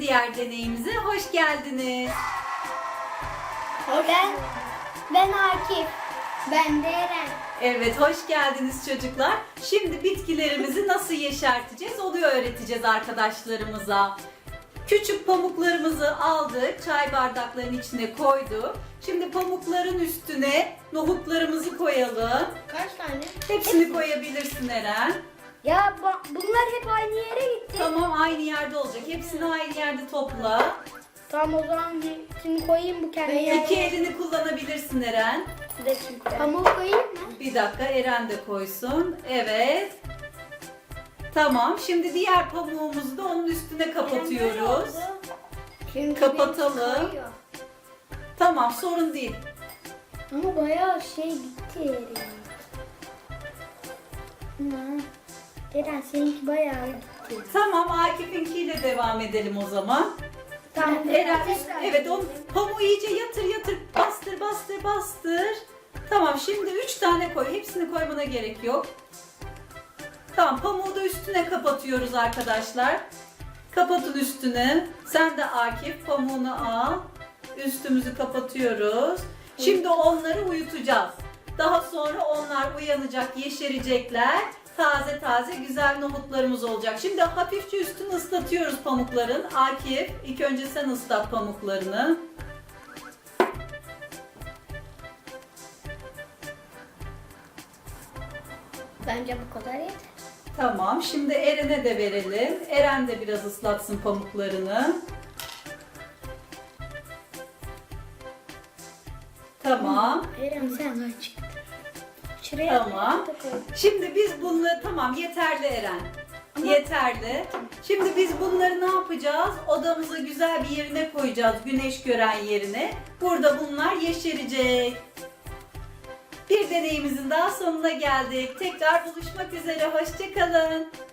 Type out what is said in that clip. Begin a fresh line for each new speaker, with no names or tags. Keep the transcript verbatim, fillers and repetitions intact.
diğer deneyimize hoş geldiniz.
Ben, ben Akif. Ben de Eren.
Evet, hoş geldiniz çocuklar. Şimdi bitkilerimizi nasıl yeşerteceğiz onu öğreteceğiz arkadaşlarımıza. Küçük pamuklarımızı aldık, çay bardaklarının içine koyduk. Şimdi pamukların üstüne nohutlarımızı koyalım.
Kaç tane?
Hepsini koyabilirsin Eren.
Ya bunlar hep aynı yere gitti.
Tamam, aynı yerde olacak. Hepsini aynı yerde topla.
Tamam, o zaman hepsini koyayım bu kendi yerine.
İki elini kullanabilirsin Eren.
Pamuk koyayım mı?
Bir dakika, Eren de koysun. Evet. Tamam, şimdi diğer pamuğumuzu da onun üstüne kapatıyoruz.
Şimdi
Kapatalım.
koyuyor.
Tamam, sorun değil.
Ama bayağı şey gitti Eren. Hı. Eren seninki bayağı gitti.
Tamam, Akif'inkiyle devam edelim o zaman.
Tamam.
Eren, evet, o pamuğu iyice yatır yatır, bastır bastır bastır. Tamam, şimdi üç tane koy. Hepsini koymana gerek yok. Tamam, pamuğu da üstüne kapatıyoruz arkadaşlar. Kapatın üstüne. Sen de Akif pamuğunu al. Üstümüzü kapatıyoruz. Şimdi onları uyutacağız. Daha sonra onlar uyanacak, yeşerecekler. Taze taze güzel nohutlarımız olacak. Şimdi hafifçe üstünü ıslatıyoruz pamukların. Akif, ilk önce sen ıslat pamuklarını.
Bence bu kadar yeter.
Tamam, şimdi Eren'e de verelim. Eren de biraz ıslatsın pamuklarını. Tamam.
Eren sen aç. Şuraya
Tamam.
da koy.
Şimdi biz bunları, tamam, yeterli Eren. Yeterli. Şimdi biz bunları ne yapacağız? Odamıza güzel bir yerine koyacağız. Güneş gören yerine. Burada bunlar yeşerecek. Bir deneyimizin daha sonuna geldik. Tekrar buluşmak üzere. Hoşça kalın.